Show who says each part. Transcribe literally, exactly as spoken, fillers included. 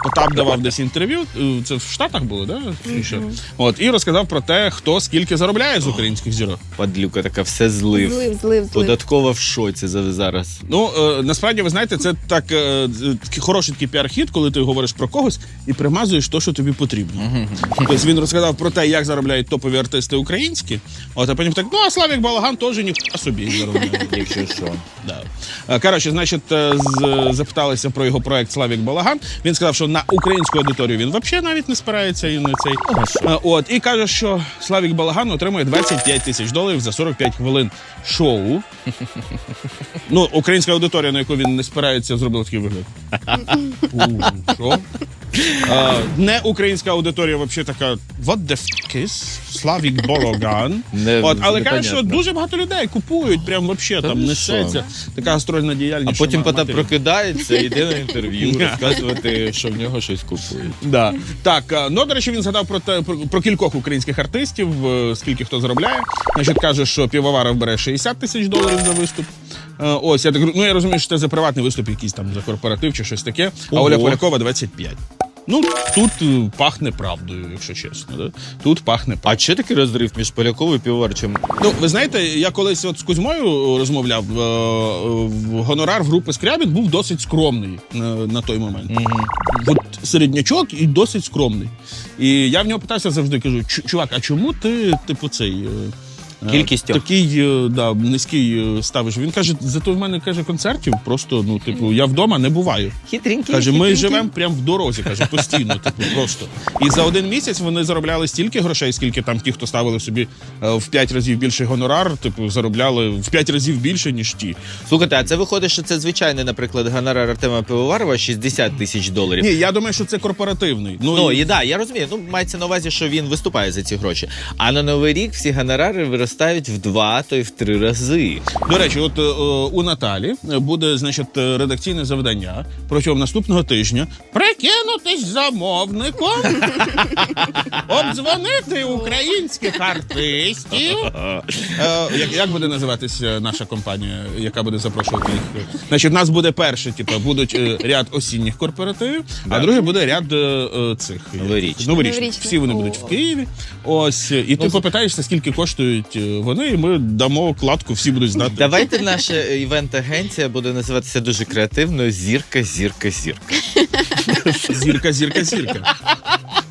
Speaker 1: Потап давав десь інтерв'ю, це в Штатах було, да? Mm-hmm. От, і розказав про те, хто скільки заробляє з українських зірок.
Speaker 2: Падлюка така, все злив.
Speaker 3: Злив, злив, злив.
Speaker 2: Податкова в шоці зараз.
Speaker 1: Ну, е, насправді, ви знаєте, це так е, хороший такий піар-хід, коли ти говориш про когось і примазуєш те, що тобі потрібно. Mm-hmm. Тобто він розказав про те, як заробляють топові артисти українські, от, а потім так, ну, а Славік Балаган теж ніхуя собі заробляє.
Speaker 2: Якщо що.
Speaker 1: Да. Коротше, значить, з, запиталися про його проект «Славік Балаган». Він сказав, що на українську аудиторію він взагалі навіть не спирається і на цей. А, от, і каже, що Славік Балаган отримує двадцять п'ять тисяч доларів за сорок п'ять хвилин шоу. Ну, українська аудиторія, на яку він не спирається, зробила такий вигляд. Що? А, не українська аудиторія взагалі така what the fuck is Славік Балаган. От, але каже, що дуже багато людей купують, прям взагалі там несеться. Така гастрольна діяльність.
Speaker 2: А потім Потап прокидається, йде на інтерв'ю, розказувати, що в нього щось купують.
Speaker 1: Да. Так, ну, до речі, він згадав про, те, про, про кількох українських артистів, скільки хто заробляє. Значить, каже, що Півоваров бере шістдесят тисяч доларів за виступ. Ось, я так, ну, я розумію, що це за приватний виступ якийсь там, за корпоратив чи щось таке. А Оля Полякова двадцять п'ять. Ну, тут пахне правдою, якщо чесно. Да? Тут пахне правдою.
Speaker 2: А чи такий розрив між Поляковою і Півоварчем?
Speaker 1: Ну, ви знаєте, я колись от з Кузьмою розмовляв, гонорар в групи Скрябін був досить скромний на, на той момент. Mm-hmm. От середнячок і досить скромний. І я в нього питався завжди, кажу, чувак, а чому ти, типу, цей...
Speaker 2: Кількістю.
Speaker 1: Такий, да, низький ставиш. Він каже, зато в мене, каже, концертів просто, ну, типу, я вдома не буваю.
Speaker 3: Хитренький.
Speaker 1: Каже, ми живемо прямо в дорозі, каже, постійно, типу, просто. І за один місяць вони заробляли стільки грошей, скільки там ті, хто ставили собі в п'ять разів більший гонорар, типу, заробляли в п'ять разів більше, ніж ті.
Speaker 2: Слухайте, а це виходить, що це звичайний, наприклад, гонорар Артема Пивоварова шістдесят тисяч доларів?
Speaker 1: Ні, я думаю, що це корпоративний.
Speaker 2: Ну, ну і да, я розумію. Ну, мається на увазі, що він виступає за ці гроші. А на Новий рік всі гонорари виростають в два, то й в три рази.
Speaker 1: До речі, от о, у Наталі буде, значить, редакційне завдання протягом наступного тижня прикинутись замовником, обдзвонити українських артистів. Е, як, як буде називатись наша компанія, яка буде запрошувати їх? Значить, у нас буде перше, типу, будуть ряд осінніх корпоративів, да. А друге буде ряд е, цих
Speaker 2: новорічних.
Speaker 1: Новорічних. Всі вони будуть в Києві. Ось, і ну, ти попитаєшся, скільки коштують вони, і ми дамо кладку, всі будуть знати.
Speaker 2: Давайте наша івент-агенція буде називатися дуже креативно «Зірка, зірка, зірка».
Speaker 1: Зірка, зірка, зірка.